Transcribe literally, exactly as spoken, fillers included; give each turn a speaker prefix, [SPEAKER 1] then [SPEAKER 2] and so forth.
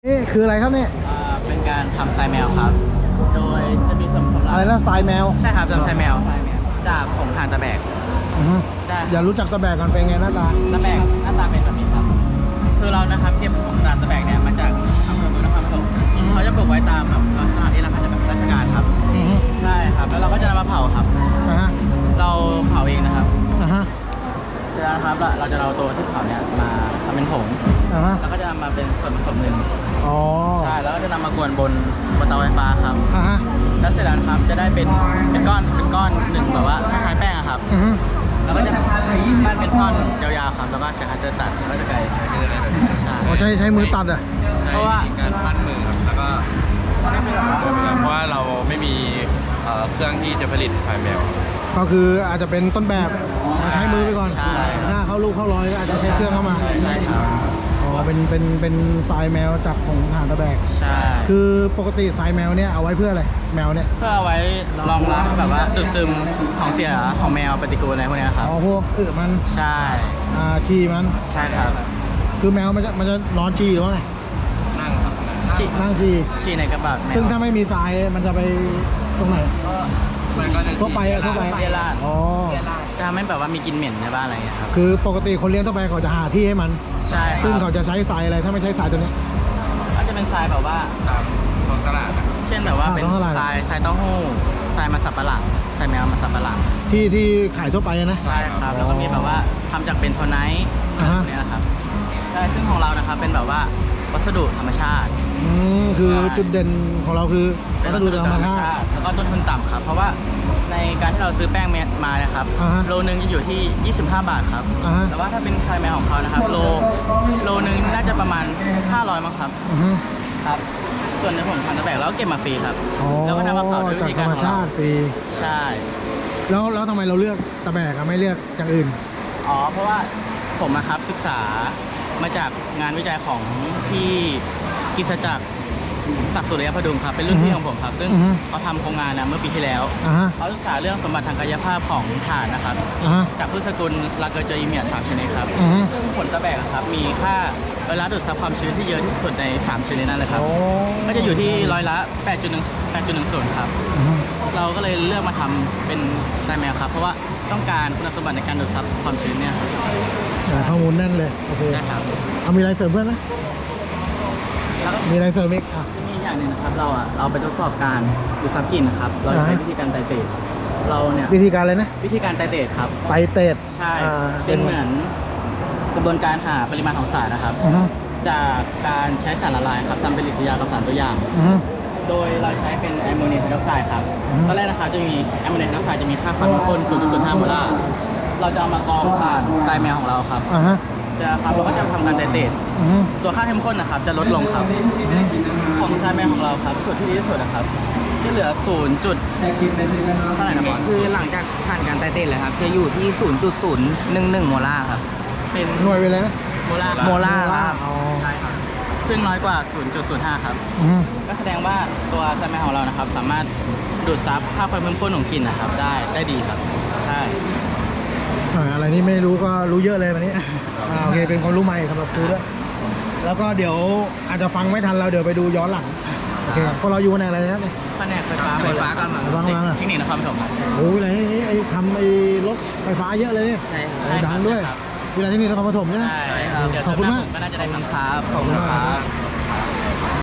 [SPEAKER 1] นี่คืออะไรครับเนี่ย
[SPEAKER 2] อ่าเป็นการทำทรายแมวครับ โดยจะมีส่วนผสมหลัก
[SPEAKER 1] อะไรนะทรายแมว
[SPEAKER 2] ใช่ครับทำทรายแมวจากผงถ่านตะแบก
[SPEAKER 1] อือฮึ
[SPEAKER 2] ใช่
[SPEAKER 1] อย่ารู้จักตะแบกกันเป็นไงหน้าตา
[SPEAKER 2] ตะแบกหน้าตาเป็นแบบนี้ครับ คือเรานะครับเก็บผงถ่านตะแบกเนี่ยมาจากอำเภอเมืองนครปฐมเขาจะปลูกไว้ตามแบบสถานที่ราชการราชการครับใช่ครับแล้วเราก็จะนำมาเผาครับ
[SPEAKER 1] อ่าฮะ
[SPEAKER 2] เราเผาเองนะครับ
[SPEAKER 1] อ่าฮะ
[SPEAKER 2] เสร็จแล้วครับเราจะเอาตัวที่เผาเนี่ยมาทำเป็นผง
[SPEAKER 1] อ่าฮะ
[SPEAKER 2] แล้วก็จะนำมาเป็นส่วนผสมหนึ่ง
[SPEAKER 1] อ๋อ
[SPEAKER 2] ใช่แล้วก็จะนำมากวนบนบนเตาไฟฟ้าครับ
[SPEAKER 1] อ่าฮะ
[SPEAKER 2] แล้วเสร็จแล้วนะครับจะได้เป็นเป็นก้อนเป็นก้อนหนึ่งแบบว่าคล้ายแป้งอะครับ
[SPEAKER 1] อือฮึ
[SPEAKER 2] แล้วก็จะปั้นเป็นท่อนยาวๆครับแล้วก็ใช้คัตเตอร์ตัดแล้วก็จะไกลใช่
[SPEAKER 1] อ๋อใช้ใช้มือตัดอ่ะ
[SPEAKER 2] เพราะว่า
[SPEAKER 3] การปั้นมือครับแล้วก็เพราะว่าเราไม่มีเครื่องที่จะผลิตไฟแมว
[SPEAKER 1] ก็คืออาจจะเป็นต้นแบบใช้มือไปก่อน
[SPEAKER 2] ใช่
[SPEAKER 1] หน้าเข้าลูกเข้าร้อยก็อาจจะใช้เครื่องเข้ามา
[SPEAKER 2] ใช่ครับ
[SPEAKER 1] อ๋อเป็นเป็นเป็นทรายแมวจากของถ่านตะแบก
[SPEAKER 2] ใช่
[SPEAKER 1] คือปกติทรายแมวเนี่ยเอาไว้เพื่ออะไรแมวเนี่ย
[SPEAKER 2] เพื่อเอาไว้รองรับแบบว่าดูดซึมของเสียของแมวปฏิกูลอะไรพวกนี้ครับ
[SPEAKER 1] อ๋อพวกอึมัน
[SPEAKER 2] ใช่
[SPEAKER 1] อ่าฉี่มัน
[SPEAKER 2] ใช่ครับ
[SPEAKER 1] คือแมวมันจะมันจะนอนฉี่หรือว่าไง
[SPEAKER 3] นั่งครับ
[SPEAKER 2] ฉี่
[SPEAKER 1] นั่งฉี่
[SPEAKER 2] ฉี่ในกระบะ
[SPEAKER 1] ซึ่งถ้าไม่มีทรายมันจะไปตรงไหนทั่วไปอะทั่วไป
[SPEAKER 2] เรียราด
[SPEAKER 1] อ๋อ
[SPEAKER 2] จะทำให้แบบว่ามีกลิ่นเหม็นในบ้านอะไรอย่างเงี้ยครับ
[SPEAKER 1] คือปกติคนเลี้ยงทั่วไปเขาจะหาที่ให้มัน
[SPEAKER 2] ใช่
[SPEAKER 1] ซึ่งเขาจะใช้ทรายอะไรถ้าไม่ใช้ทรายตัวนี้
[SPEAKER 2] ก็จะเป็นทรายแบบว่า
[SPEAKER 3] ตามท้องตลาด
[SPEAKER 2] เช่นแบบว่าเป็นทรายทรายเต้าหู้ทรายมันสับปะหลังทรายแมวมันสับปะหลัง
[SPEAKER 1] ที่ที่ขายทั่วไปนะ
[SPEAKER 2] ใช่ครับแล้วก็มีแบบว่าทำจากเป็นโทไนท์อะไรนี้นะครับใช่ซึ่งของเรานะครับเป็นแบบว่าวัสดุธรรมชาติ
[SPEAKER 1] อืมคือจุดเด่นของเราคือวัสดุธรรมชาติ
[SPEAKER 2] แล้วก็ต้นทุนต่ำครับเพราะว่าในการที่เราซื้อแป้งเม็ดมานะครับโลนึงจะอยู่ที่ยี่สิบห้าบาทครับแต่ว่าถ้าเป็นทรายแมวของเขานะครับโลโลนึงน่าจะประมาณห้าร้อยมั้งครับครับส่วนในผมทำตะแบกแล้วก็เก็บมาฟรีครับแล้วก็นำมาเผาด้วยวิธีการของเรา
[SPEAKER 1] ฟรี
[SPEAKER 2] ใช่
[SPEAKER 1] แล้วแล้วทำไมเราเลือกตะแบกไม่เลือกอย่างอื่น
[SPEAKER 2] อ๋อเพราะว่าผมนะครับศึกษามาจากงานวิจัยของที่กิจจักรศักดิ์สุริยพดุงครับเป็นรุ่นพี่ของผมครับซึ่งเขาทำโครงงานนะเมื่อปีที่แล้วเขาศึกษาเรื่องสมบัติทางกายภาพของถ่านนะครับจากพืชสกุลลาเกอร์เจออีเมียสามชนิดครับซึ่งผลตะแบกครับมีค่าเวลาดูดซับความชื้นที่เยอะที่สุดในสามชนิดนั้นเลยครับก็จะอยู่ที่ร้อยละ แปดจุดหนึ่ง แปดจุดหนึ่งศูนย์ ครับเราก็เลยเลือกมาทำเป็นทรายแมวครับเพราะว่าต้องการคุณสมบัติในการดูดซับความชื้นเนี่ย
[SPEAKER 1] ข้อมูลแน่นเลยโอเค
[SPEAKER 2] ใช่ครับ
[SPEAKER 1] เอามีอะไรเสริมเพื่อนไหมมีอะไรเสริมอีกอ่ะ
[SPEAKER 2] มีอย่างหนึ่งนะครับเราอ่ะเราไปทดสอบการดูดซับกลิ่นนะครับเราใช้วิธีการไตเตดเราเนี่ย
[SPEAKER 1] วิธีการอะไรนะ
[SPEAKER 2] วิธีการไตเตดครับ
[SPEAKER 1] ไตเตด
[SPEAKER 2] ใช่เป็นเหมือนกระบวนการหาปริมาณของสารนะครับจากการใช้สารละลายครับทำปฏิกิริยากับสารตัวอย่างโดยเราใช้เป็นแอมโมเนียไฮดรอกไซด์ครับตอนแรกนะครับจะมีแอมโมเนียไฮดรอกไซด์จะมีค่าความเข้มข้น ศูนย์จุดศูนย์ห้า โมลาร์เราจะเอามากรองผ่านทรายแมวของเราครับจะครับเราก็จะทำการไตเตดตัวค่าเข้มข้นนะครับจะลดลงครับของทรายแมวของเราครับส่วนที่ดีที่สุดนะครับจะเหลือศูนย์จุดเท่าไหร่นะบอส
[SPEAKER 4] คือหลังจากผ่านการไตเตดเลยครับจะอยู่ที่ ศูนย์จุดศูนย์หนึ่งหนึ่ง โมลาร์ครับ
[SPEAKER 2] เป็น
[SPEAKER 1] หน่วยไปเลยนะ
[SPEAKER 2] โมลาร์
[SPEAKER 4] โมลาร์ครับ
[SPEAKER 2] ใช่ครับซึ่งน้อยกว่า ศูนย์จุดศูนย์ห้า ครับก็แสดงว่าตัวทรายแมวของเรานะครับสามารถดูดซับค่าความเข้มข้นของกลิ่นนะครับได้ได้ดีครับใช่
[SPEAKER 1] อะไรนี่ไม่รู้ก็รู้เยอะเลยวันนี้อ่าโอเคเป็นความรู้ใหม่สำหรับครูด้วยแล้วก็เดี๋ยวอาจจะฟังไม่ทันเราเดี๋ยวไปดูย้อนหลังโอเคพวกเราอยู่ในอะไรนะครับเนี่ย
[SPEAKER 2] แผนกไฟฟ้า
[SPEAKER 4] ไฟฟ้ากันหลัง
[SPEAKER 2] เทคนิคนครปฐม
[SPEAKER 1] โอ้ยอะไรนี่ไอ้ทำไอ้รถไฟฟ้าเยอะเลยเนี่ย
[SPEAKER 2] ใช่ใช่
[SPEAKER 1] ดังด้วยเวลาที่นี่นครปฐมใช่ไหม
[SPEAKER 2] ใช่ครับ
[SPEAKER 1] ขอบคุณมาก
[SPEAKER 2] ก็น่าจะได้ทำครับขอบคุณครับ